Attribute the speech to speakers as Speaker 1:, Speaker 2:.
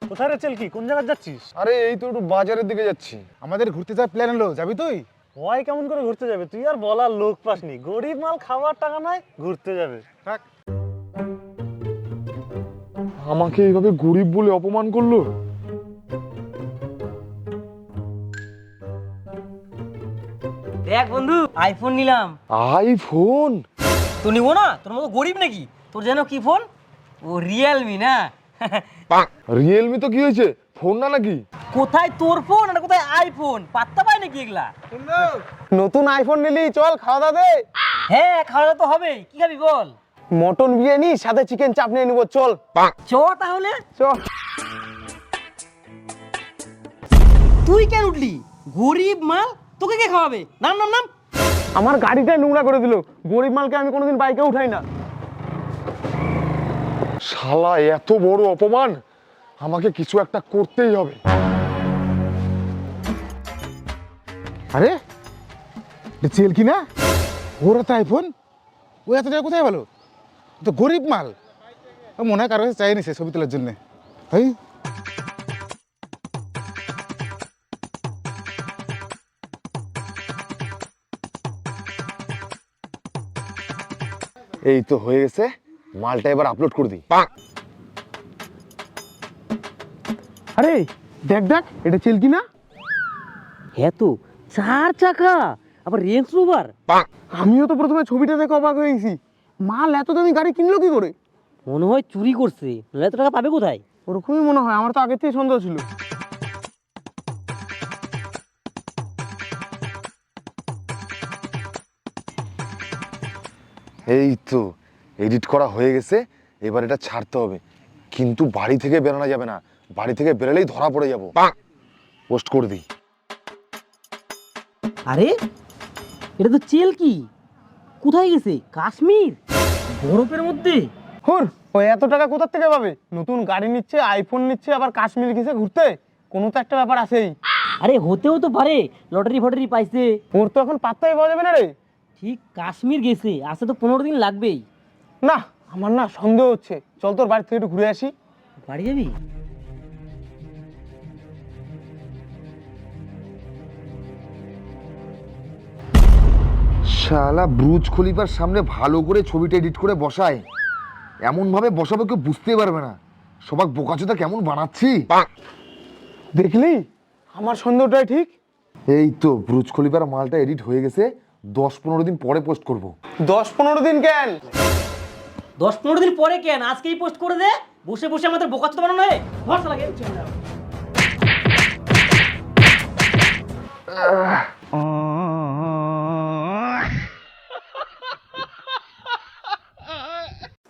Speaker 1: কোথায় রে চেলকি, কোন জায়গায় যাচ্ছিস?
Speaker 2: আরে এই তো একটু বাজারের দিকে যাচ্ছি।
Speaker 3: আমাদের ঘুরতে যাওয়ার প্ল্যান হলো, যাবি তুই?
Speaker 1: ওই কেমন করে ঘুরতে যাবে? তুই আর বলার লোক পাসনি, গরিব মাল খাওয়ার টাকা নাই, ঘুরতে যাবে।
Speaker 3: থাক।
Speaker 2: আমাকে এইভাবে গরিব বলে অপমান করলো।
Speaker 4: দেখ বন্ধু, আইফোন নিলাম।
Speaker 2: আইফোন?
Speaker 4: তো নিবো না? তোর মতো গরিব নাকি? তোর যেন কি ফোন? ও রিয়েলমি না?
Speaker 2: রিয়েলমি তো কি হয়েছে, ফোন না নাকি?
Speaker 4: কোথায় তোর ফোন আর কোথায় আইফোন? পাত্তা পায় নাকি এগুলা?
Speaker 3: নতুন আইফোন নিলি, চল খাওয়া দাওয়া দে।
Speaker 4: হ্যাঁ, খাওয়া দাওয়া তো হবে। কি খাবি বল?
Speaker 3: মটন বিরিয়ানি সাথে চিকেন চাপ নিয়ে নিবো, চল।
Speaker 4: চ তাহলে।
Speaker 3: চল।
Speaker 4: তুই কেন উঠলি? গরিব মাল, তোকে কে খাওয়াবে? নাম নাম নাম।
Speaker 3: আমার গাড়িটাই নোংরা করে দিল। গরিব মালকে আমি কোনোদিন বাইকে উঠাই না।
Speaker 2: শালা এত বড় অপমান, আমাকে কিছু একটা করতেই হবে।
Speaker 3: আরে চেল কি না, ওর তো আইফোন, ও এত টাকা কোথায় পেলো? ও তো গরিব মাল। ও মনে হয় কারো কাছে চাই নিছে ছবি তোলার জন্য। তাই
Speaker 2: এই তো হয়ে গেছে, মালটা এবার আপলোড করে দিই।
Speaker 3: আরে দেখ দেখ, এটা চেল কি না?
Speaker 4: হ্যাঁ তো, 4 চাকা, আবার রেঞ্জ রোভার।
Speaker 3: আমিও তো প্রথমে ছবিটা দেখে অবাক হয়ে গেছি। মাল এত দামি গাড়ি কিনলো কি করে?
Speaker 4: মনে হয় চুরি করছে, নাহলে এত টাকা পাবে কোথায়?
Speaker 3: ওরকমই মনে হয়, আমার তো আগের থেকে সন্দেহ ছিল।
Speaker 2: এই তো এডিট করা হয়ে গেছে, এবার এটা ছাড়তে হবে। কিন্তু বাড়ি থেকে বেরোনো যাবে না, বাড়ি থেকে বেরোলেই ধরা পড়ে যাবো। পোস্ট করে দিই।
Speaker 4: আরে এটা তো চেল কি, কোথায় গেছে? কাশ্মীর, বরফের মধ্যে।
Speaker 3: হুর, ও এত টাকা কোথা থেকে পাবে? নতুন গাড়ি নিচ্ছে, আইফোন নিচ্ছে, আবার কাশ্মীর গেছে ঘুরতে। কোনো তো একটা ব্যাপার আছেই।
Speaker 4: আরে হতেও তো পারে, লটারি ফটারি পাইছে।
Speaker 3: ওর তো এখন পাত্তাই পাওয়া যাবে না রে।
Speaker 4: ঠিক কাশ্মীর গেছে, আসতে তো 15 দিন লাগবেই।
Speaker 3: না, আমার না সন্দেহ হচ্ছে। চল তোর বাড়ি থেকে একটু ঘুরে আসি।
Speaker 4: বাড়ি যাবি?
Speaker 2: শালা ব্রুজ খলিফার সামনে ভালো করে ছবিটা এডিট করে বসায়, এমন ভাবে বসাবো কেউ বুঝতে পারবে না। সবাক বোকাচোদা কেমন বানাচ্ছি।
Speaker 3: দেখলি, আমার সন্দেহটাই ঠিক।
Speaker 2: এই তো ব্রুজ খলিফার মালটা এডিট হয়ে গেছে, 10-15 দিন পরে পোস্ট করব।
Speaker 3: 10-15 দিন কেন?
Speaker 4: 10-15 দিন পরে কেন? আজকেই পোস্ট করে দে। বসে বসে আমাদের বোকাচোদা বানানো হয়, ভরসা লাগে।